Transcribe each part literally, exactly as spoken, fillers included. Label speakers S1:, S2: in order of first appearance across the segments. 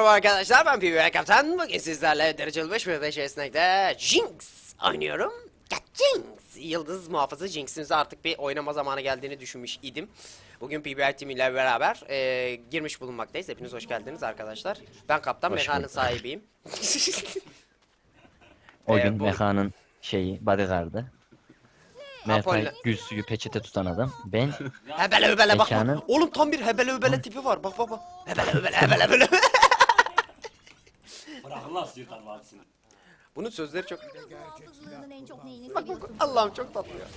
S1: arkadaşlar, ben P V R Kaptan. Bugün sizlerle dereceli beş ve beş esnekte Jinx oynuyorum. Ya Jinx! Yıldız muhafızı Jinx'imize artık bir oynama zamanı geldiğini düşünmüş idim. Bugün P V R Team ile beraber e, girmiş bulunmaktayız. Hepiniz hoş geldiniz arkadaşlar. Ben Kaptan,
S2: Hoş
S1: mekanın
S2: bulduk.
S1: sahibiyim.
S2: O
S1: Ee,
S2: gün
S1: bu-
S2: mekanın şeyi bodyguard'ı. Mertay
S1: Apollo-
S2: gül suyu peçete tutan adam. Ben
S1: Hebele hebele bak
S2: Mekanın-
S1: bak. Oğlum tam bir hebele hebele tipi var. Bak bak bak. Hebele hebele hebele hebele.
S3: Bırakın lan sıyırtan vadisini.
S1: Bunun sözleri çok...
S4: Hafızlığının en çok neyini
S1: Bak bak
S4: seviyorsun?
S1: Allah'ım çok tatlı ya.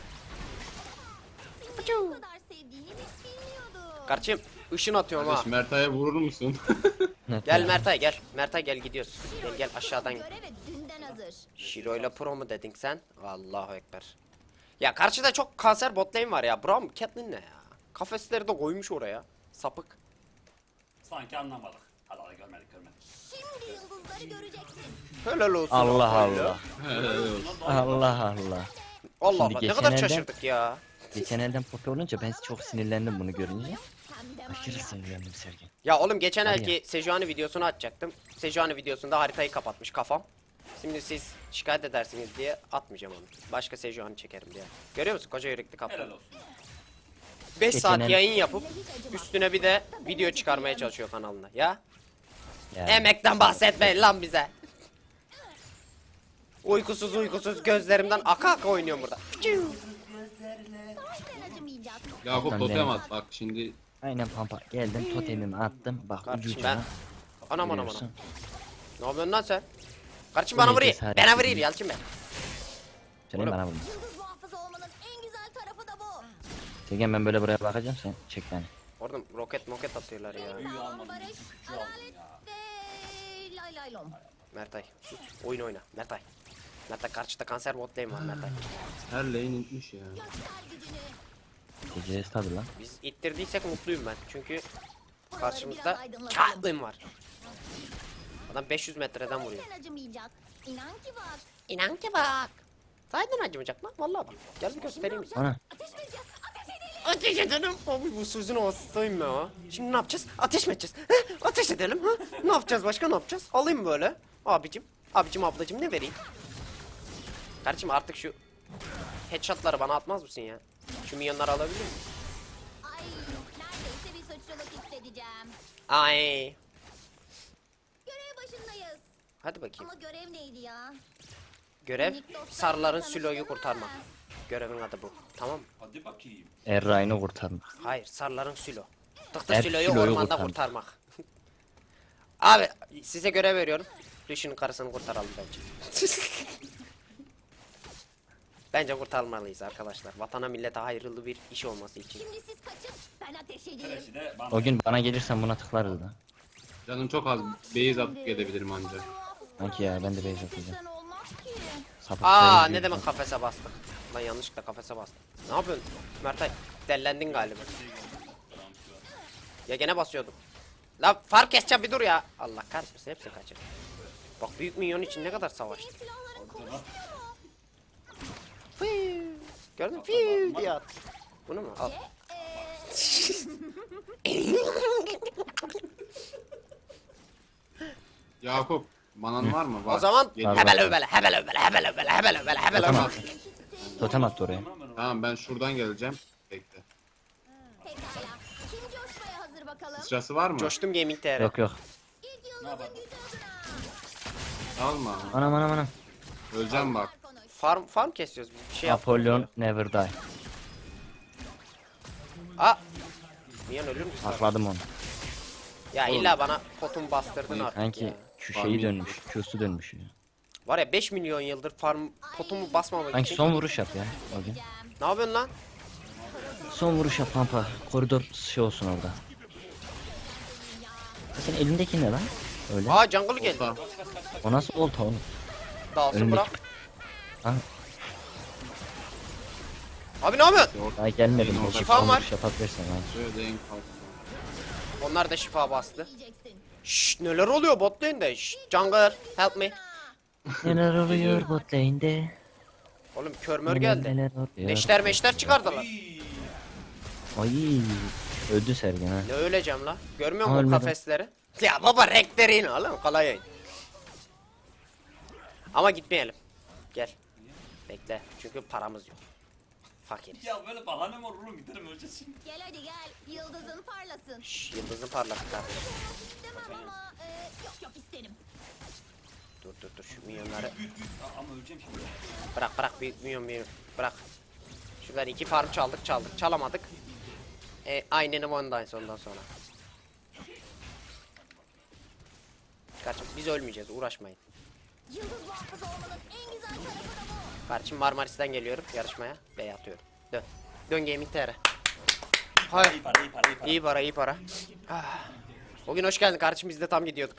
S4: Seni bu kadar sevdiğini hiç bilmiyordum.
S1: Kardeşim ışın atıyorum ha.
S5: Kardeş Mertay'a vurur musun?
S1: Gel Mertay gel. Mertay gel gidiyoruz. Gel gel aşağıdan.
S4: Göreve dünden hazır.
S1: Shiro ile Pro mu dedin sen? Allahu ekber. Ya karşıda çok kanser bot lane var ya. Braum Catelyn ne ya? Kafesleri de koymuş oraya. Sapık.
S3: Sanki anlamadık. Hadi hadi görmedik görmedik.
S4: Şimdi yıldızları göreceksin.
S1: Helal olsun.
S2: Allah
S1: Öyle.
S2: Allah. Allah Allah.
S1: Allah
S2: Şimdi
S1: Allah ne
S2: geçen
S1: kadar
S2: elden-
S1: şaşırdık ya.
S2: Geçen elden popi olunca ben çok sinirlendim bunu görünce.
S4: Hem de
S2: Aşırı
S4: manyak.
S2: sinirlendim Sergen.
S1: Ya oğlum geçen
S2: Var
S1: elki Sejuani videosunu açacaktım. Sejuani videosunda haritayı kapatmış kafam. Şimdi siz şikayet edersiniz diye atmayacağım onu. Başka Sejuani çekerim diye. Görüyor musun koca yürekli kaptan?
S3: Helal olsun.
S1: beş
S2: Geçen
S1: saat
S2: el-
S1: yayın yapıp üstüne bir de video çıkarmaya çalışıyor kanalına. Ya
S2: Ya.
S1: emekten bahsetmeyin lan bize. Uykusuz uykusuz gözlerimden aka aka oynuyorum burada.
S4: Sahiden acımayacak.
S5: Yakup
S2: Ben
S5: totem
S2: de-
S5: at bak şimdi.
S2: Aynen pampa. Geldim totemimi attım. Bak
S1: Kardeşim
S2: ucucuna.
S1: ben... Anam anam anam.
S2: Görüyorsun.
S1: Ne yapıyorsun lan sen? Kardeşim
S2: Bu
S1: bana
S2: ne
S1: vuruyor.
S2: cesaret
S1: Bana
S2: değil
S1: vuruyor
S2: mi?
S1: Yalçın Bey.
S2: Senin
S1: Oğlum.
S2: bana vurma.
S4: Yıldız muhafızı olmanın en güzel tarafı da bu.
S2: Sergen ben böyle buraya bakacağım sen çek beni.
S1: Orada roket moket atıyorlar ya.
S3: Büyü
S4: Sağlam
S3: almadım.
S4: barış,
S3: Küçüğü aldım
S4: adalet
S3: ya.
S4: ve lay lay lom.
S1: Mertay sus. Oyun oyna. Mertay. Mertay karşıda kanser bot lane var Mertay.
S5: Her lane inmiş ya.
S4: Göster gücünü.
S2: Gecesi tabi lan.
S1: Biz ittirdiysek mutluyum ben. Çünkü
S4: Buraları
S1: karşımızda
S4: biraz aydınlatalım.
S1: Catelyn var. Adam beş yüz metreden vuruyor.
S4: Sahiden acımayacak. İnan ki bak.
S1: İnan ki bak. Sahiden acımayacak lan. Vallahi bak. Gel bir göstereyim sana.
S2: Ana.
S4: Ateş mi edeceğiz? Ateş edelim.
S1: Ateş edelim. Abi bu sözün hastayım ya. Şimdi ne yapacağız? Ateş mi edeceğiz? Heh, ateş edelim. Ha? Ne yapacağız başka ne yapacağız? Alayım böyle. Abicim. Abicim ablacım ne vereyim? Kardeşim artık şu headshotları bana atmaz mısın ya? Şu milyonları alabilir miyim?
S4: Ay neredeyse bir suçluluk hissedeceğim.
S1: Ay.
S4: Görev başındayız.
S1: Hadi bakayım.
S4: Ama görev neydi ya?
S1: Görev
S4: Minik dostlarımla
S1: sarıların
S4: tanıştın
S1: Sülo'yu
S4: mı?
S1: kurtarmak. Görevin adı bu. Tamam mı?
S3: Hadi bakayım.
S2: Erray'ını kurtarmak.
S1: Hayır, sarıların Sülo. Tıktı
S2: Hep
S1: Sülo'yu
S2: Sülo'yu
S1: ormanda
S2: kurtarmak.
S1: kurtarmak. Abi size görev veriyorum. Düşünün karısını kurtaralım bence. Bence kurtarmalıyız arkadaşlar. Vatana millete hayırlı bir iş olması için.
S4: Şimdi siz kaçın ben ateş edeyim.
S3: Kreşi de bana.
S2: O gün bana gelirsen buna tıklarız da.
S5: Canım çok az base atıp gelebilirim ancak.
S2: Sanki ya, ben de base atacağım.
S4: Sen olmaz ki.
S2: Sapık
S1: Aa
S2: sayı
S1: ne
S2: gibi.
S1: demek kafese bastık. Lan yanlışlıkla kafese bastım. Ne yapıyorsun? Mertay dellendin galiba. Ya gene basıyordum. La fark keseceğim bir dur ya. Allah kahretmesin hepsini kaçır. Bak büyük minyon için ne kadar savaştı.
S4: Silahların konuşmuyor mu?
S1: Fıy. Gördün mü? Fiu diye at. Bunu mu? Al.
S4: Eee
S5: Yakup manan var mı? Var.
S1: O zaman
S5: Geliyor.
S1: hebele öbele hebele öbele hebele öbele hebele öbele hebele
S2: Tamam.
S1: öbele.
S2: Totem attı oraya.
S5: Tamam ben şuradan geleceğim. Bekle.
S4: pekala. Kim coşmaya hazır bakalım?
S5: Sırası var mı?
S1: Coştum Gaming T R.
S2: Yok yok.
S4: İlk yıldızın gücü adına.
S5: Alma.
S2: Anam anam anam.
S5: Öleceğim bak.
S4: Konuş.
S1: Farm farm kesiyoruz biz bir şey yap.
S2: Apollon never die.
S1: Aa. Minyon ölür müsün?
S2: Akladım onu.
S1: Ya illa bana potun bastırdın artık
S2: Sanki
S1: ya.
S2: şu şeyi dönmüş. Q'su dönmüş ya.
S1: Var ya beş milyon yıldır farm potumu basmamak
S2: Sanki
S1: için.
S2: son vuruş yap ya. O gün.
S1: Ne yapıyorsun lan?
S2: Son vuruş yap pampa. Koridor şey olsun orada. Ya Senin elindeki ne lan? Öyle.
S1: Aa jungle geldi.
S5: Olta.
S2: O nasıl olta oğlum?
S1: Dalsın
S2: Önündeki-
S1: bırak.
S2: Ha,
S1: Abi ne yapıyorsun?
S2: daha gelmedim.
S5: Şifam
S2: Belki
S1: Şifam
S2: son
S1: var.
S2: vuruş yapabilirsin ha.
S5: Şöyle en kalsın.
S1: Onlar da şifa bastı.
S4: Yiyeceksin.
S1: Şşş neler oluyor bot lane'de? Şşş jungler help me.
S2: Neler oluyor bot lane'de?
S1: Oğlum körmör
S2: Neler
S1: geldi.
S2: neler oluyor?
S1: Neşter meşter çıkardılar.
S2: Ay öldü Sergen ha.
S1: Ne öleceğim la? Görmüyor musun
S2: Ölmedim.
S1: kafesleri? Ya baba renklerin oğlum kolay oyun. Ama gitmeyelim. Gel. Bekle. Çünkü paramız yok. Fakiriz.
S3: Ya böyle bahane mi olur oğlum, giderim öleceğiz şimdi.
S4: Gel hadi gel. Yıldızın parlasın.
S1: Şşş, yıldızın parlak kardeşim.
S4: İstemem ama e, yok yok isterim.
S1: Dur dur dur şu milyonları.
S3: Büyük büyük. Aa, ama öleceğim şimdi.
S1: Bırak bırak büyük milyon milyon. Bırak. Şuradan iki farm çaldık çaldık. Çalamadık. E, aynen ondan ondan sonra. Kardeşim biz ölmeyeceğiz uğraşmayın.
S4: Yıldız muhafızı olmanın en güzel tarafı da bu.
S1: Kardeşim Marmaris'ten geliyorum yarışmaya. Bey atıyorum. Dön. Dön Gaming T R.
S3: İyi
S1: Hay.
S3: para, iyi para, iyi para.
S1: İyi para iyi para. Ah. O gün hoş geldin kardeşim biz de tam gidiyorduk.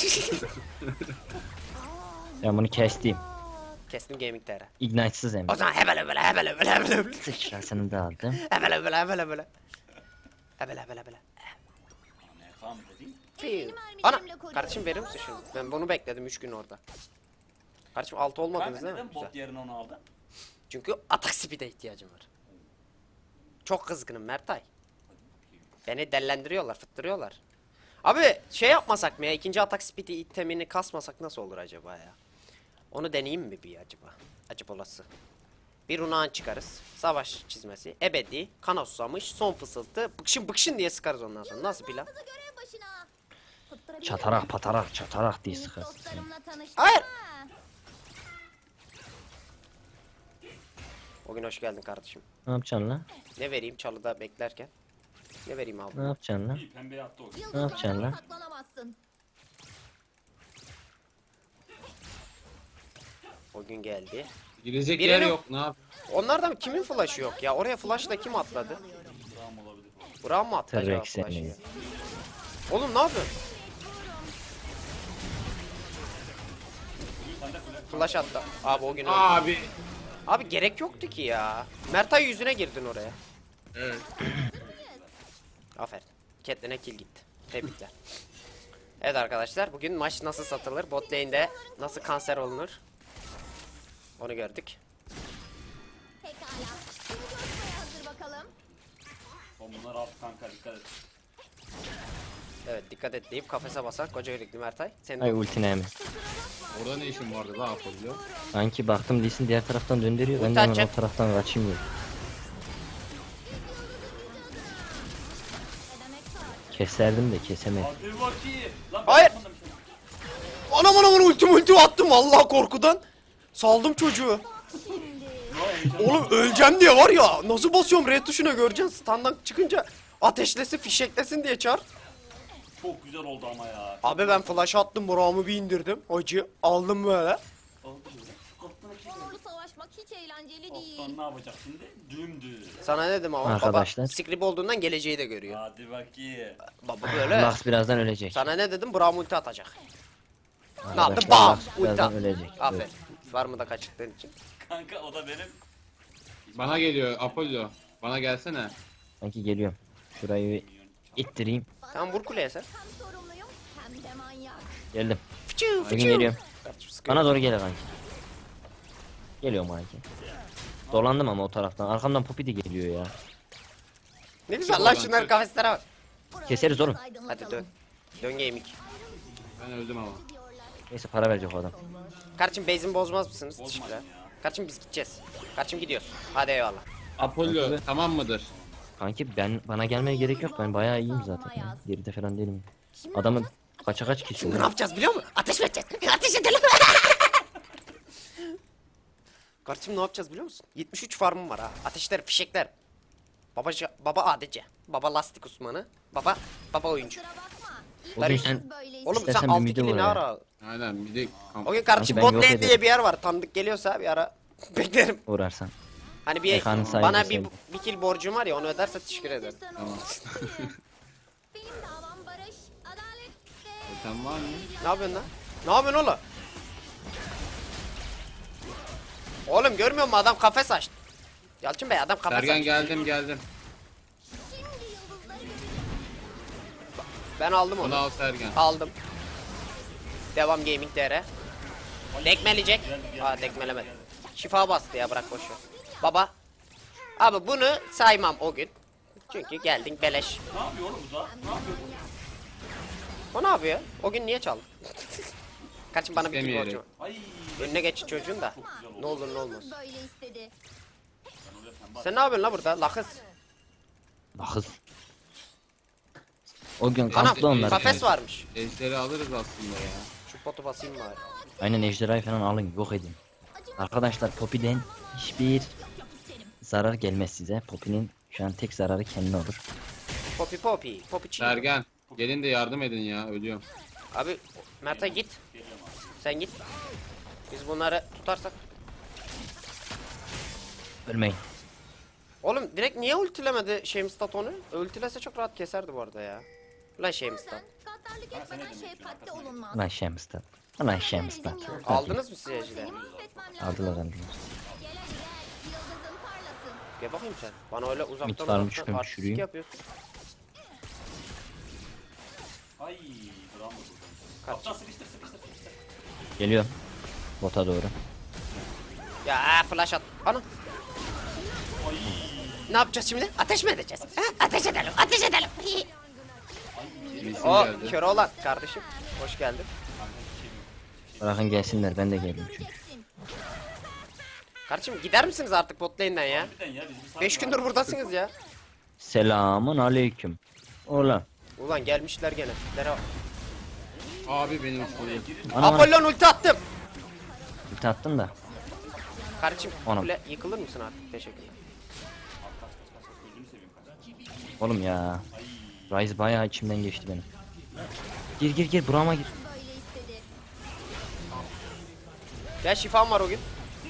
S2: Ben bunu kestim.
S1: Kestim Gaming T R.
S2: Ignite'sız hem.
S1: O zaman hebele hebele hebele hebele hebele hebele.
S2: Sıçrasını da aldım.
S1: Hebele hebele hebele hebele. Hebele hebele hebele.
S3: Ne falan dediğin?
S4: Ellerini
S1: Ana
S4: mermilerimle koruyorum.
S1: kardeşim verir misin şunu? Ben bunu bekledim üç gün orada. Kardeşim altı olmadınız
S3: Kanka
S1: değil mi?
S3: neden bot
S1: Güzel.
S3: yerine onu aldın?
S1: Çünkü atak speed'e ihtiyacım var. Çok kızgınım Mertay. Beni dellendiriyorlar, fıttırıyorlar. Abi şey yapmasak mı ya? İkinci atak speed'i itemini kasmasak nasıl olur acaba ya? Onu deneyeyim mi bir acaba? Acaba olası. Bir runağın çıkarız. Savaş çizmesi. Ebedi. Kana susamış. Son fısıltı. Bıkşın bıkşın diye sıkarız ondan sonra. Nasıl plan?
S4: Muhafızı görev başına. Tutturabilir
S2: Çatarak
S4: miyim?
S2: patarak çatarak diye
S4: Minik
S2: sıkarsın.
S4: dostlarımla tanıştım.
S1: Hayır.
S4: Ha.
S1: O gün hoş geldin kardeşim.
S2: Ne yapacaksın lan?
S1: Ne vereyim çalıda beklerken? Ne vereyim abi?
S2: Ne yapacaksın lan?
S3: İyi pembeye attı o gün.
S4: Yıldızlardan
S2: yapacaksın lan?
S4: saklanamazsın.
S1: O gün geldi.
S5: Girecek
S1: Birini-
S5: yer yok ne yap?
S1: Onlardan kimin flash'ı yok ya? Oraya flash'la kim atladı?
S3: Tamam olabilir.
S1: Burak'a mı attı acaba
S2: T-Rex
S1: flash'ı?
S2: seni.
S1: Oğlum ne yapıyorsun?
S3: Sen de kule.
S1: Flash attı. Abi o gün öldü.
S5: Abi.
S1: Abi gerek yoktu ki ya. Mertay yüzüne girdin oraya.
S5: Evet.
S1: Aferin. Catelyn'e kill gitti. Tebrikler. Evet arkadaşlar bugün maç nasıl satılır? Bot lane'de nasıl kanser olunur? Onu gördük.
S4: Pekala. Şimdi coşmaya hazır bakalım.
S3: Oğlum bunlar alt kanka, dikkat et.
S1: Evet dikkat et deyip kafese basan koca yürekli Mertay. Senin
S2: Ay ultine mi?
S5: Orada ne işin vardı daha yapabiliyor?
S2: Sanki baktım değilsin diğer taraftan döndürüyor. Ben
S1: Ulti
S2: de hemen
S1: atacak.
S2: o taraftan kaçayım diyorum.
S4: Ne demek var?
S2: Keserdim de kesemedim.
S3: Hadi bakayım. Lan
S1: Hayır.
S3: ben yapmadım şimdi.
S1: anam anam anam ultim ulti attım vallahi korkudan. Saldım çocuğu. Oğlum öleceğim diye var ya nasıl basıyorum R tuşuna göreceksin standdan çıkınca ateşlesin fişeklesin diye çağır.
S3: Çok güzel oldu ama ya.
S1: Abi ben flash attım Burak'ımı bir indirdim acı aldım böyle.
S3: Oldu böyle. Kaptana kim?
S4: Onurlu savaşmak hiç eğlenceli değil.
S3: Kaptan ne yapacak şimdi? Dümdüz.
S1: Sana ne dedim ama
S2: Arkadaşlar.
S1: baba script olduğundan geleceği de görüyor.
S3: Hadi bakayım.
S1: Baba böyle.
S2: Lux birazdan ölecek.
S1: Sana ne dedim Burak'ım ulti atacak. Ne yaptın?
S2: Arkadaşlar,
S1: Bam!
S2: Lux
S1: Ulti
S2: birazdan
S1: at.
S2: ölecek.
S1: Aferin. Var mı da kaçırdığın için.
S3: Kanka o da benim.
S5: Bana geliyor Apollo. Bana gelsene.
S2: Sanki geliyorum. Şurayı bir ittireyim.
S1: Tamam vur kuleye sen.
S4: Hem sorumluyum hem de manyak.
S2: Geldim.
S1: Fıçı
S2: Bugün
S1: fıçı.
S2: geliyorum.
S1: Kardeşim sıkıyor.
S2: Bana doğru gel kanki. Geliyorum kanki. Dolandım ama o taraftan. Arkamdan Poppy de geliyor ya.
S1: Ne güzel lan şunların kafeslere bak.
S2: Keseriz oğlum.
S1: Hadi dön. Dön gaming.
S5: Ben öldüm ama.
S2: Neyse para verecek o adam.
S1: Kardeşim base'imi bozmaz mısınız?
S3: Bozmayın
S1: Teşekkürler.
S3: ya.
S1: Kardeşim biz gideceğiz. Kardeşim gidiyoruz. Hadi eyvallah.
S5: Apollo
S2: Apollo.
S5: tamam mıdır?
S2: Kanki ben bana gelmeye gerek yok. Ben bayağı iyiyim zaten. Ya. Geride falan değilim.
S4: Şimdi
S2: Adamın
S4: ne
S2: kaça kaç
S1: Şimdi
S2: kişi
S1: ne
S2: var?
S1: yapacağız biliyor musun? Ateş mi edeceğiz? Ateş edelim. Kardeşim ne yapacağız biliyor musun? yetmiş üç farmım var ha. Ateşler, fişekler. Baba, baba A D C. Baba lastik uzmanı. Baba, baba oyuncu.
S4: Kusura bakma. İlk
S2: O gün
S4: kez
S2: sen-
S4: böyleyiz.
S1: Oğlum
S2: İstersen
S1: sen
S2: bir
S1: altı
S2: midi
S1: kili
S2: vur
S1: ne
S2: ya.
S1: ara?
S5: Aynen bir de kamp.
S1: O gün kardeşim
S2: ben
S1: bot
S2: yok
S1: lane
S2: ederim.
S1: diye bir yer var. Tanıdık geliyorsa bir ara beklerim.
S2: Uğrarsan.
S1: Hani bir
S2: Ekranın sahibi
S1: bana bir,
S2: sen.
S1: bir kill borcum var ya onu öderse teşekkür ederim.
S4: Tamam. Benim davam barış, adalet ve...
S5: Sen var mı?
S1: Ne yapıyorsun lan? Ne yapıyorsun oğlum? Oğlum görmüyor musun adam kafes açtı. Yalçın Bey adam kafes
S5: Sergen
S1: açtı.
S5: geldim geldim.
S4: Şimdi yıldızları
S1: Ben aldım
S5: Onu
S1: onu.
S5: al Sergen.
S1: Aldım. Devam gaming D R. Dekmeleyecek. Aa dekmelemedi. Şifa bastı ya bırak boşver. Baba. Abi bunu saymam o gün. Çünkü geldin beleş.
S3: Ne yapıyor oğlum bu da? Ne yapıyor bu?
S1: O ne yapıyor? O gün niye çaldı? Kaçın bana bir kill
S5: İstemeyerek.
S1: borcum.
S3: Ay.
S1: Önüne geç çocuğun da.
S3: Çok güzel oldu.
S1: Ne olur ne olmaz.
S4: Böyle istedi.
S3: Ben oraya pembe
S1: Sen ne yapıyorsun la burada? Lakız.
S2: Bakız. O gün
S1: Ana
S2: kamplı onlar.
S1: kafes varmış.
S5: Ejderi alırız aslında ya.
S1: Şu potu basayım bari.
S2: Aynen ejderhayı falan alın yok edin. Arkadaşlar Poppy'den hiçbir zarar gelmez size. Poppy'nin şu an tek zararı kendine olur.
S1: Poppy poppy. Poppy çiğ.
S5: Sergen. Gelin de yardım edin ya. Ölüyorum.
S1: Abi Mert'e git.
S3: geliyorum abi.
S1: Sen git. Biz bunları tutarsak.
S2: Ölmeyin.
S1: Oğlum direkt niye ultilemedi Shamestat onu? Ultilese çok rahat keserdi bu arada ya. Ulan Shamestat.
S4: Bazen gaddarlık etmeden şefkatli olunmaz.
S2: Ulan Şemstat. Ulan Şemstat.
S1: Aldınız mı siz ejderha?
S4: Seni mahvetmem lazım.
S2: Aldılar aldılar.
S4: Gel hadi gel. Yıldızın parlasın.
S1: Gel bakayım sen. Bana öyle uzaktan
S2: Mit var mı?
S1: uzaktan
S2: Çıkıyorum,
S1: artistik
S2: şurayım.
S1: yapıyorsun.
S3: Ay. Bravo buradan. Kaptan sıkıştır sıkıştır sıkıştır.
S2: Geliyorum. Bota doğru.
S1: Ya aa, flash at. Ana. Ne yapacağız şimdi? Ateş mi edeceğiz? Ha? Ateş edelim, ateş edelim.
S5: Bilsin
S1: O
S5: geldi.
S1: kör olan kardeşim. Hoş geldin.
S2: Bırakın gelsinler ben de geldim çünkü.
S4: Göreceksin.
S1: Kardeşim gider misiniz artık bot lane'den ya?
S3: Harbiden ya biz bir
S1: beş
S3: saat-
S1: gündür buradasınız ya.
S2: Selamun aleyküm. Ulan.
S1: Ulan gelmişler gene. Tiplere bak.
S5: Abi benim sorum.
S2: Ana bana
S1: Apollon ulti attım.
S2: ulti attın da.
S1: Kardeşim
S2: Anam.
S1: kule yıkılır mısın artık? Teşekkürler.
S3: Gözünü seveyim kaç.
S2: Oğlum ya. Rise bayağı içimden geçti benim. Gir gir gir burama gir.
S4: Böyle istedi.
S1: Ya şifam var o gün.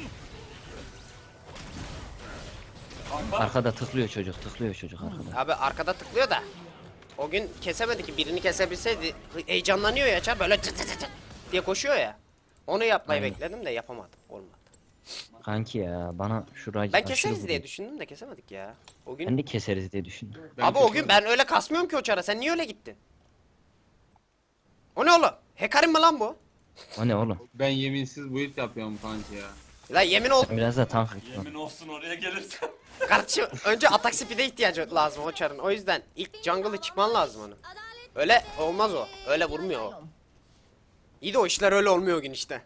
S2: Arkada tıklıyor çocuk tıklıyor çocuk arkada.
S1: Abi arkada tıklıyor da. O gün kesemedi ki birini kesebilseydi heyecanlanıyor ya Çar böyle tı tı tı tı diye koşuyor ya. Onu yapmayı
S2: Aynen.
S1: bekledim de yapamadım. Olmadı.
S2: Kanki ya bana şu Rise
S1: Ben
S2: aşırı
S1: keseriz diye
S2: vuruyor.
S1: düşündüm de kesemedik ya. O gün
S2: Ben de keseriz diye düşündüm.
S5: Ben
S1: Abi o gün
S5: keserim.
S1: ben öyle kasmıyorum ki o Çar'a. Sen niye öyle gittin? O ne oğlum? Hekarim mi lan bu?
S2: O ne oğlum?
S5: Ben yeminsiz build yapıyorum kanki ya.
S1: Lan yemin ol
S2: Sen biraz da tank et lan.
S3: Yemin olsun oraya gelirsen.
S1: kardeşim önce atak speed'e ihtiyacı lazım o Çar'ın. O yüzden ilk jungle'ı çıkman lazım onun.
S4: Adalet
S1: Öyle olmaz o. Öyle vurmuyor o. İyi de o işler öyle olmuyor o gün işte.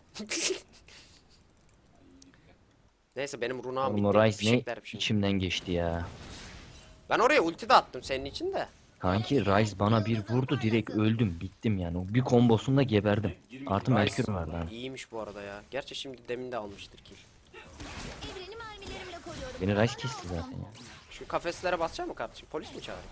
S1: Neyse benim runağım
S2: Oğlum o
S1: bitti.
S2: Rise ne
S1: Fişekler bir şey.
S2: içimden geçti ya.
S1: Ben oraya ulti de attım senin için de.
S2: Kanki Rise bana bir vurdu direkt öldüm bittim yani. O bir kombosunda geberdim. Artı Merkür vardı abi.
S1: İyiymiş bu arada ya. Gerçi şimdi demin de almıştır kill.
S4: evreni mermilerimle koruyorum.
S2: Beni Rise kesti zaten ya.
S1: Şu kafeslere basacak mı kardeşim? Polis mi çağırayım?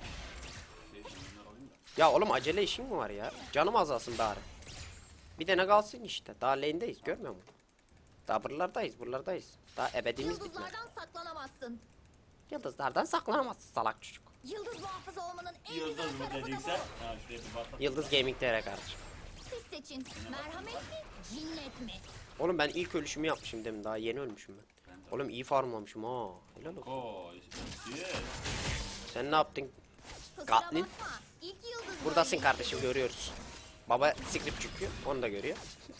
S1: Ya oğlum acele işin mi var ya? Canım azalsın bari. Bir de ne kalsın işte. Daha lane'deyiz görmüyor musun? Daha buralardayız buralardayız. Daha ebedimiz bitmedi.
S4: Yıldızlardan saklanamazsın.
S1: Yıldızlardan saklanamazsın salak çocuk.
S4: Yıldız muhafızı olmanın en
S3: Yıldız
S4: güzel
S3: mı
S4: tarafı da
S3: dediyse.
S4: bu.
S3: Ha şuraya bir bak.
S1: Yıldız Gaming T R kardeşim.
S4: Siz seçin. Merhamet mi? Cinnet mi?
S1: Oğlum ben ilk ölüşümü yapmışım demin daha yeni ölmüşüm ben. Oğlum iyi farmlamışım ha. Helal olsun.
S3: Koy. Yes.
S1: Sen ne yaptın?
S4: Kusura
S1: Gatlin.
S4: bakma. İlk yıldız
S1: Buradasın
S4: böyle
S1: kardeşim görüyoruz. Baba script çıkıyor onu da görüyor.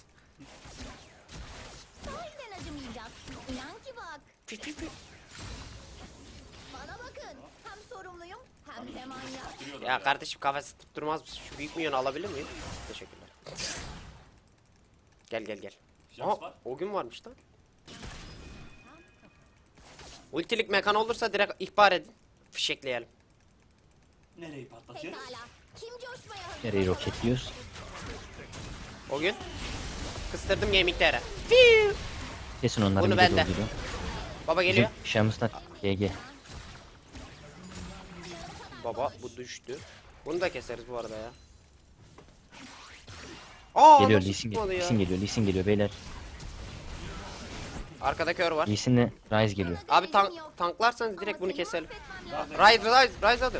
S4: Sahiden acımayacak. İnan ki bak.
S1: Pi pi pi.
S4: Bana bakın. Hem sorumluyum hem de manyak.
S1: Ya kardeşim kafesi tutturmaz mısın? Şu büyük milyonu alabilir miyim? Teşekkürler. Gel gel gel.
S3: Jax
S1: Aa,
S3: var.
S1: o gün varmış lan. Ultilik mekan olursa direkt ihbar edin. Fişekleyelim.
S3: Nereyi patlatıyoruz?
S4: Pekala. Kim coşmaya hazır?
S2: Nereyi roketliyoruz?
S1: O gün kıstırdım gaming T R. Fiu.
S2: Kesin onları
S1: Bunu
S2: bir
S1: ben de.
S2: de dolduruyor.
S1: Baba geliyor.
S2: Bizim Şams'ta G G.
S1: Baba bu düştü. Bunu da keseriz bu arada ya. Aa,
S2: Geliyor
S1: nasıl
S2: Lee Sin
S1: tutmadı
S2: geliyor.
S1: ya?
S2: Lee Sin geliyor. Lee Sin geliyor beyler.
S1: Arkada kör var.
S2: Lee Sin'le Rise geliyor.
S1: Abi tank tanklarsanız direkt
S4: Ama
S1: bunu
S4: seni
S1: keselim.
S4: mahvetmem lazım.
S1: Rise Rise Rise hadi.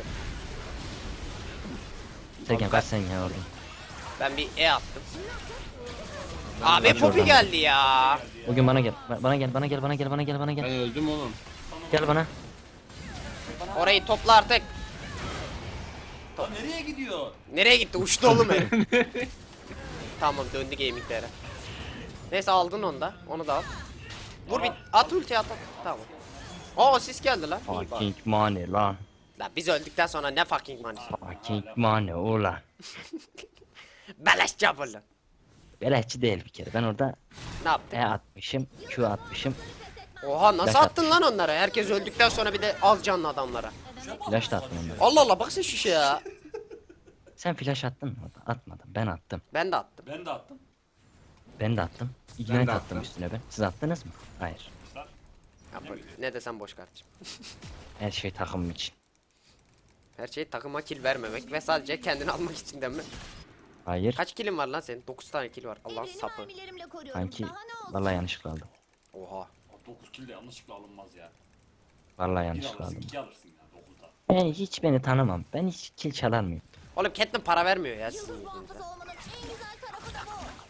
S2: Sergen kaç sen ya orada.
S1: Ben bir E attım. Abi
S2: Aç
S1: Poppy
S2: oradan.
S1: geldi ya.
S2: Bugün bana gel. Ba- Bana gel, bana gel, bana gel, bana gel, bana
S5: Ben
S2: gel.
S5: öldüm oğlum.
S2: Gel bana.
S1: Orayı topla artık.
S3: Lan nereye gidiyor?
S1: Nereye gitti? Uçtu oğlum herif. Tamam döndü gaminglere. Neyse aldın onu da. Onu da al. Vur bir at ulti at at. Tamam. Oo sis geldi lan. İyi bak.
S2: Fucking money lan.
S1: Lan biz öldükten sonra ne fucking money.
S2: Fucking money ulan.
S1: Beleş çapulun.
S2: Beleşçi değil bir kere. Ben orada
S1: Ne yaptın?
S2: E atmışım, Q atmışım,
S1: Oha nasıl
S2: Flash
S1: attın lan onlara? Herkes öldükten sonra bir de az canlı adamlara.
S2: flash da attım onlara.
S1: Allah Allah bak sen şu şey ya.
S2: Sen flash attın mı orada? Atmadım. Ben attım.
S1: Ben de attım.
S3: Ben de attım.
S2: Ben de attım. Ignite
S5: de
S2: attım
S5: attım.
S2: üstüne ben. Siz attınız mı? Hayır.
S3: Kuşlar.
S1: Ya böyle, ne desem boş kardeşim.
S2: Her şey takımım için.
S1: Her şey takıma kill vermemek ve sadece kendini almak için değil mi?
S2: Hayır.
S1: Kaç killin var lan senin? dokuz tane kill var. Allah
S4: Evreni
S1: sapı.
S4: mermilerimle koruyorum.
S2: Sanki
S4: Daha ne olsun?
S2: vallahi yanlışlıkla aldım.
S1: Oha.
S3: dokuz kill de yanlışlıkla alınmaz ya.
S2: Vallahi
S3: Bir
S2: yanlışlıkla
S3: alırsın,
S2: aldım.
S3: iki alırsın ya dokuzda.
S2: Ben hiç beni tanımam. Ben hiç kill çalar mıyım?
S1: Oğlum Catelyn para vermiyor ya sizin
S4: Yıldız
S1: yüzünüzden.
S4: muhafızı olmanın en güzel tarafı da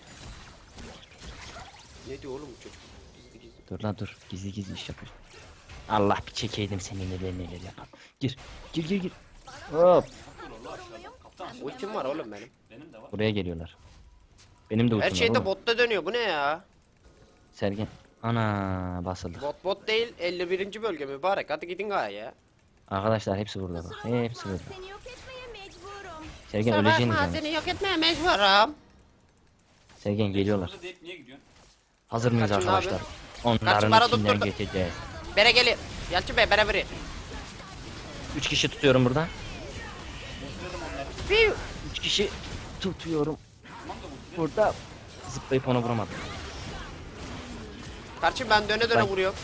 S4: bu.
S1: Ne diyor oğlum bu çocuk? Gizli gizli.
S2: Dur lan dur. Gizli gizli iş yapıyor. Allah bir çekeydim seni neler neler yapan. Gir. Gir gir gir. Hop.
S3: Dur Allah aşağıda. Kaptan aşağıda.
S1: Ultim var oğlum benim.
S3: Benim de var.
S2: Buraya geliyorlar. Benim de ultim
S1: Her
S2: var
S1: şey de
S2: oğlum.
S1: botta dönüyor. Bu ne ya?
S2: Sergen. Ana basıldı.
S1: Bot bot değil. elli birinci bölge mübarek. Hadi gidin gaya ya.
S2: Arkadaşlar hepsi burada bak. Hepsi burada.
S4: Seni yok etmeye mecburum.
S2: Sergen
S1: Kusura
S2: öleceğini
S1: bakma,
S2: canım.
S1: seni yok etmeye mecburum.
S2: Sergen geliyorlar.
S3: Burada deyip niye gidiyorsun?
S2: Hazır mıyız
S1: Kaçın
S2: arkadaşlar?
S1: abi.
S2: Onların
S1: bana
S2: içinden
S1: tutturdu.
S2: geçeceğiz.
S1: Bere geli. Yalçın Bey bere veri.
S2: Üç kişi tutuyorum burada.
S3: Bekledim onları.
S1: Fiu.
S2: Üç kişi tutuyorum.
S3: Tamam da bu
S2: Burada zıplayıp onu vuramadım.
S1: Kardeşim ben döne döne
S2: Bak.
S1: vuruyorum.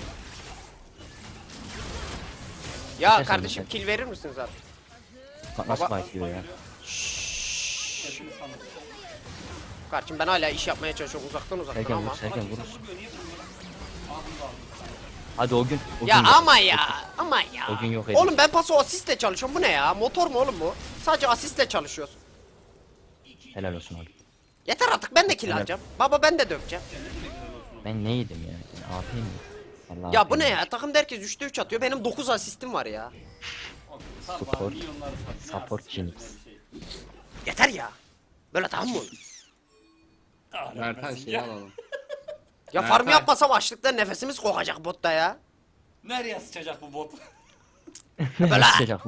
S1: Ya
S2: Geçersin
S1: kardeşim
S2: zaten.
S1: kill verir misiniz abi?
S2: Bak nasıl
S1: Baba-
S2: fight diyor ya.
S3: hepimiz sanırız.
S1: Kardeşim ben hala iş yapmaya çalışıyorum uzaktan uzaktan
S2: Sergen
S1: ama.
S2: vur, Sergen
S3: Kimse
S2: vurursun.
S3: vurmuyor, niye vurmuyor? Aa bunu da aldım.
S2: Hadi o gün. O
S1: Ya
S2: gün yok.
S1: ama ya ama ya.
S2: O gün yok edin.
S1: Oğlum ben paso asistle çalışıyorum bu ne ya? Motor mu oğlum bu? Sadece asistle çalışıyorsun.
S2: Helal olsun oğlum.
S1: Yeter artık ben de kill
S2: Evet.
S1: alacağım. Baba ben de döveceğim.
S2: Ben ne yedim ya? Ben A P mi? Vallahi
S1: Ya
S2: A P
S1: bu ne
S2: mi?
S1: ya? Takımda herkes üçte üç atıyor. Benim dokuz asistim var ya.
S3: Oğlum, sar bana,
S2: Support-
S3: milyonları sat, ne
S2: support
S3: yapsın,
S2: Jinx.
S3: ne bir şey.
S1: Yeter ya. Böyle tamam mı? olur?
S3: Ah,
S5: Mertan
S3: vermesin
S5: şeyi
S3: ya.
S5: alalım.
S1: Ya
S5: Mertay.
S1: farm yapmasam açlıktan nefesimiz kokacak botta ya.
S3: Nereye sıçacak bu bot?
S1: Böyle.
S2: Sıcak.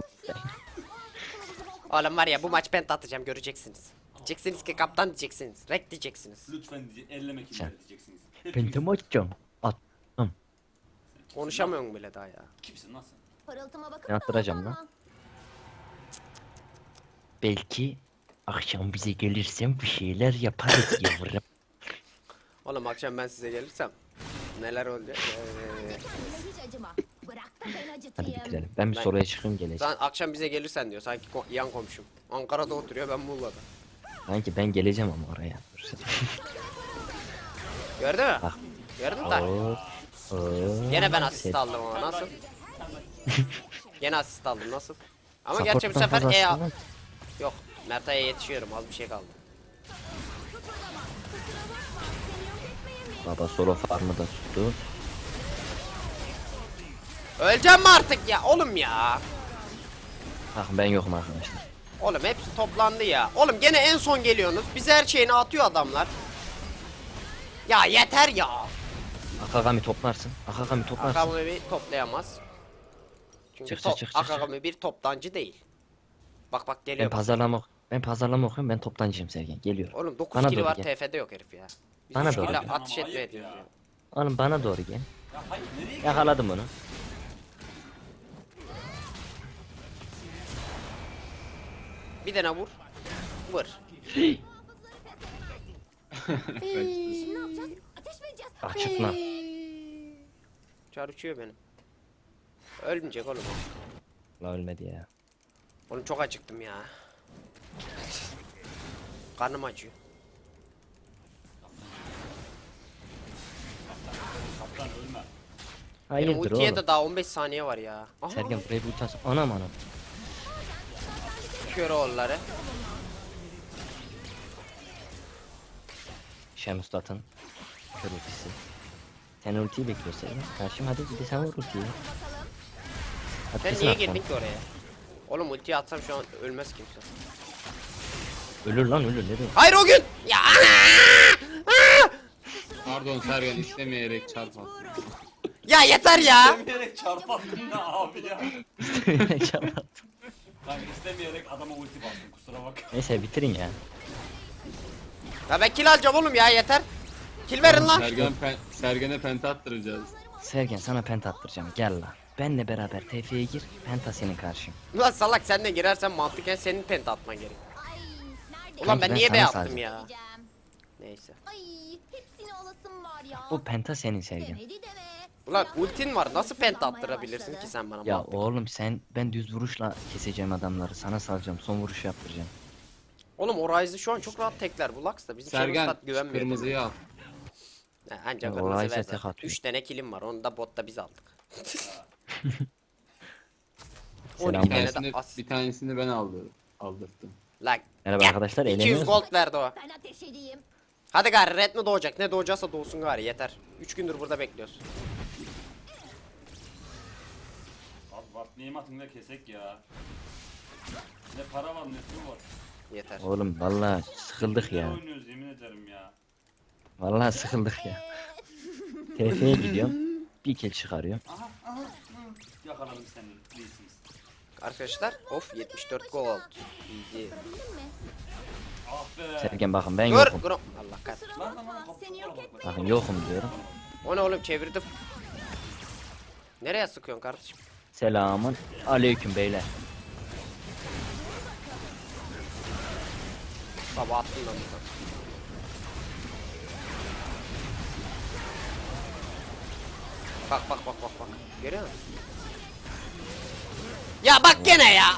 S1: Oğlum var ya bu maç ben atacağım göreceksiniz. Diyeceksiniz ki kaptan diyeceksiniz. Rek diyeceksiniz.
S3: Lütfen diye elleme kimleri diyeceksiniz.
S2: Ben
S3: Hepimiz-
S2: de mi atacağım? At.
S1: Konuşamıyorum bile daha ya.
S3: Kimsin lan sen?
S4: Parıltıma bakıp
S2: Ben attıracağım
S4: da
S2: lan.
S4: aldanma.
S2: Belki akşam bize gelirsen bir şeyler yaparız yavrum.
S1: Oğlum akşam ben size gelirsem neler olacak? Ee,
S4: Kendine hiç acıma. Bırak da ben
S2: Hadi
S4: acıtayım.
S2: bitirelim. Ben bir
S1: Ben-
S2: soruya çıkayım geleceğim.
S1: sen akşam bize gelirsen diyor sanki ko- yan komşum. Ankara'da oturuyor ben Muğla'da.
S2: Sanki ben geleceğim ama oraya. Dur sen.
S1: Gördün mü?
S2: Bak.
S1: Gördün mü lan?
S2: Oo, oo.
S1: Gene ben asist
S2: Set.
S1: aldım ama nasıl? Gene asist aldım nasıl? Ama
S2: Support'tan
S1: gerçi bu sefer
S2: fazla
S1: E
S2: aslında.
S1: yok. Merta'ya yetişiyorum az bir şey kaldı.
S2: Baba solo farmı da tuttu.
S1: Öleceğim mi artık ya oğlum ya?
S2: Bak ben yokum arkadaşlar.
S1: Oğlum hepsi toplandı ya. Oğlum gene en son geliyorsunuz. Bize her şeyini atıyor adamlar. Ya yeter ya.
S2: Akagami toplarsın. Akagami toplarsın.
S1: Akagami bir toplayamaz. Çünkü
S2: Çık,
S1: to-
S2: çık, çık, çık,
S1: Akagami bir toptancı değil. Bak bak
S2: Ben
S1: geliyor. bak.
S2: pazarlama ben pazarlama okuyorum. Ben toptancıyım Sergen. Geliyor.
S1: Oğlum dokuz
S2: Bana
S1: kili
S2: doğru
S1: var
S2: gel.
S1: T F'de yok herif ya. Biz
S2: Bana
S1: üç
S2: doğru
S1: kille
S2: gel.
S1: ateş
S3: Ama
S1: etmeye
S3: ayıp
S1: diyoruz
S3: ya.
S1: ya.
S2: Oğlum bana doğru gel.
S3: Ya hayır nereye gidiyorsun?
S2: Yakaladım onu.
S1: Bir tane vur. Vur.
S4: Şimdi ne yapacağız? Ateş mi edeceğiz?
S2: Bak çıkma.
S1: Çar uçuyor benim. Ölmeyecek oğlum. o.
S2: La ölmedi ya.
S1: Oğlum çok acıktım ya. Karnım acıyor.
S3: Kaptan ölme.
S1: Benim
S2: Hayırdır
S1: ultiye
S2: oğlum.
S1: de daha on beş saniye var ya. Aha.
S2: Sergen buraya bir ulti atsın. Anam anam.
S1: Kör oğulları.
S2: Şemus atın. Kör ultisi. Sen ultiyi bekliyor Sergen. Karşım hadi bir de sen vur ultiyi. Hadi
S1: Sen
S2: kesin
S1: niye
S2: atlan.
S1: girdin ki oraya? Oğlum ultiye atsam şu an ölmez kimse.
S2: Ölür lan ölür ne diyor?
S1: Hayır o gün! Ya!
S5: Pardon Sergen istemeyerek çarp attı.
S1: Ya yeter ya!
S3: İstemeyerek çarpattın da abi ya.
S2: Çarpattım.
S3: Ben istemeyerek adama ulti bastım kusura bak.
S2: Neyse bitirin ya.
S1: Ya ben kill alacağım oğlum ya yeter. Kill verin lan.
S5: Sergen pen, Sergen'e penta attıracağız.
S2: Sergen sana penta attıracağım gel la. Benle beraber T F'ye gir, penta senin karşın.
S1: Ulan salak sen de girersen mantıken senin penta atman gerek.
S4: Ay nerede?
S1: Ulan ben
S2: ben
S1: niye
S2: sana
S1: B attım
S2: sardım.
S1: ya?
S4: Diyeceğim.
S1: Neyse.
S4: Ay hepsini alasım var ya.
S2: Bu penta senin Sergen.
S4: Demedi deme.
S1: Ulan
S4: Silahlar
S1: ultin var nasıl penta
S4: kullanmaya
S1: attırabilirsin
S4: başladı.
S1: ki sen bana?
S2: Ya
S1: mantıken?
S2: oğlum sen ben düz vuruşla keseceğim adamları. Sana salacağım. Son vuruşu yaptıracağım.
S1: Oğlum o Ryze'ı şu an çok rahat tekler bu Lux da bizim
S5: Sergen
S1: Sergen
S5: şu
S1: güvenmiyor.
S5: kırmızıyı al.
S1: Ha, ancak
S2: Ya, o
S1: kırmızı
S2: Ryze'e
S1: ver
S2: tek
S1: zaten.
S2: atıyor.
S1: üç tane kilim var onu da botta biz aldık. on
S2: Selam.
S1: iki
S5: Bir
S1: tane de
S5: tanesini,
S1: as.
S5: bir tanesini ben aldım. Aldırttım.
S1: Lan
S2: Merhaba
S1: gel,
S2: arkadaşlar,
S1: iki yüz
S2: eğleniyoruz mu?
S1: gold verdi o.
S4: Ben ateş edeyim.
S1: Hadi gari red mi doğacak? Ne doğacaksa doğsun gari yeter. üç gündür burada bekliyoruz.
S3: Abi bak neyim atında kesek ya. Ne para var ne su var.
S1: Yeter.
S2: Oğlum vallahi sıkıldık
S3: Ne
S2: ya.
S3: oynuyoruz yemin ederim ya.
S2: Vallahi sıkıldık ya. T F'ye gidiyorum. Bir kill çıkarıyorum.
S3: Aha aha. hı. Yakaladım seni. Değilsiniz.
S1: Arkadaşlar of yetmiş dört gold. Easy.
S4: Bildin mi?
S3: Ah be.
S2: Sergen bakın ben
S1: Dur
S2: yokum.
S1: Grom. Allah kahretsin.
S4: Kusura
S3: Lan lan lan.
S4: bakma seni yok etmek.
S2: Bakın yokum diyorum.
S1: O ne oğlum çevirdim. Nereye sıkıyorsun kardeşim?
S2: Selamun aleyküm beyler.
S1: Baba attım ben buradan. Bak bak bak bak bak. Görüyor musun? Ya bak gene ya.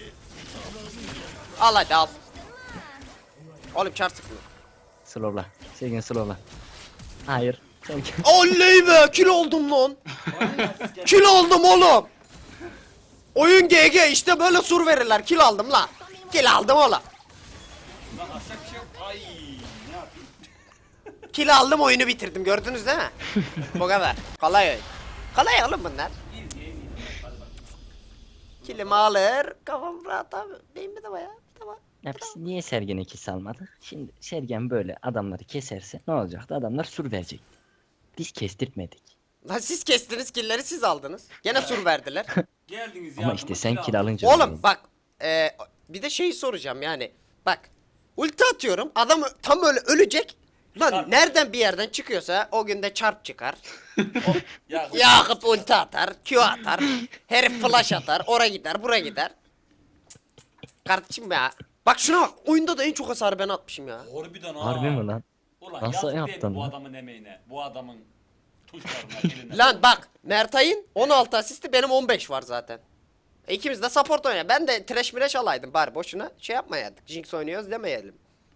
S1: Al hadi al. Oğlum çar sıkma.
S2: Slowla. Sergen slowla. Hayır. Sergen.
S1: Oley be kill oldum lan. Kill aldım oğlum. Oyun G G işte böyle sur verirler. Kill aldım lan. Kill aldım oğlum.
S3: Lan aşağı bir şey yok. Ay ne yapayım?
S1: Kill aldım oyunu bitirdim gördünüz değil mi? Bu kadar. Kolay oyun. Kolay oğlum bunlar.
S3: İyi iyi iyi. Hadi bak.
S1: Killimi alır. Kafam rahat abi. Benim bir de baya. Tamam.
S2: Ya biz niye Sergen'e kill salmadık? Şimdi Sergen böyle adamları keserse ne olacaktı? Adamlar sur verecek. Biz kestirtmedik.
S1: Lan siz kestiniz killleri siz aldınız. Gene sur verdiler.
S3: Geldiniz ya.
S2: Ama
S3: bunu
S2: işte sen
S3: kira
S2: kill
S3: alın.
S2: alınca...
S1: Oğlum bak. E, bir de şeyi soracağım yani. Bak. Ulti atıyorum. Adam ö- tam öyle ölecek. Lan
S3: Çarp.
S1: nereden bir yerden çıkıyorsa o günde çarp çıkar.
S3: Ya,
S1: Yakup ulti atar. Q atar. Herif flash atar. Oraya gider buraya gider. Kardeşim ya. Bak şuna bak. Oyunda da en çok hasarı ben atmışım ya.
S3: Harbiden ha.
S2: Harbi mi lan?
S3: Ulan
S2: Nasıl
S3: yazık değil
S2: yaptın
S3: mi bu
S2: lan?
S3: adamın emeğine? Bu adamın tuşlarına eline.
S1: Lan bak Mertay'ın on altı asisti benim on beş var zaten. E, İkimiz de support oynuyor. Ben de trash mireş alaydım bari boşuna şey yapmayaydık. Jinx oynuyoruz demeyelim.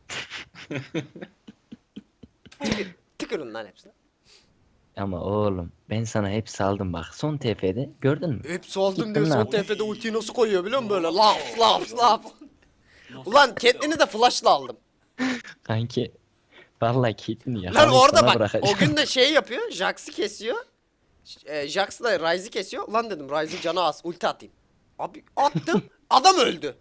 S1: Tükür, tükürün lan hepsine.
S2: Ama oğlum ben sana hep saldım bak. Son T F'de gördün mü?
S1: Hepsi aldım
S2: Gittim
S1: diyor
S2: ne
S1: son
S2: yapayım?
S1: T F'de ultiyi nasıl koyuyor biliyor musun böyle laps laps laps. Ulan Catelyn'i de flash'la aldım.
S2: Kanki vallahi Caitlyn'i
S1: Lan
S2: yakalayıp
S1: orada
S2: sana
S1: bak
S2: bırakacağım.
S1: o gün de şey yapıyor Jax'ı kesiyor. E, Jax da Ryze'ı kesiyor. Lan dedim Ryze'ın canı az ulti atayım. Abi attım adam öldü.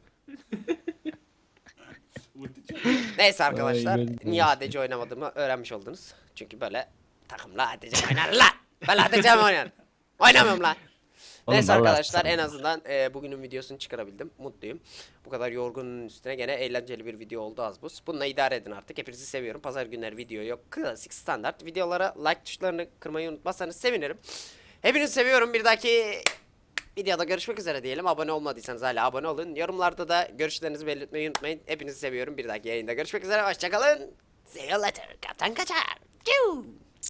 S1: Neyse arkadaşlar
S2: Ay, ben-
S1: niye A D C oynamadığımı öğrenmiş oldunuz. Çünkü böyle takımla A D C oynar lan. Ben A D C mi oynarım? Oynamıyorum lan.
S2: Oğlum
S1: Neyse
S2: vallahi
S1: arkadaşlar en
S2: sarıldım.
S1: azından e, bugünün videosunu çıkarabildim. Mutluyum. Bu kadar yorgunun üstüne gene eğlenceli bir video oldu az buz. Bununla idare edin artık. Hepinizi seviyorum. Pazar günleri video yok. Klasik standart. Videolara like tuşlarını kırmayı unutmazsanız sevinirim. Hepinizi seviyorum. Bir dahaki videoda görüşmek üzere diyelim. Abone olmadıysanız hala abone olun. Yorumlarda da görüşlerinizi belirtmeyi unutmayın. Hepinizi seviyorum. Bir dahaki yayında görüşmek üzere. Hoşçakalın. See you later. Kaptan Kaçar. Ciu.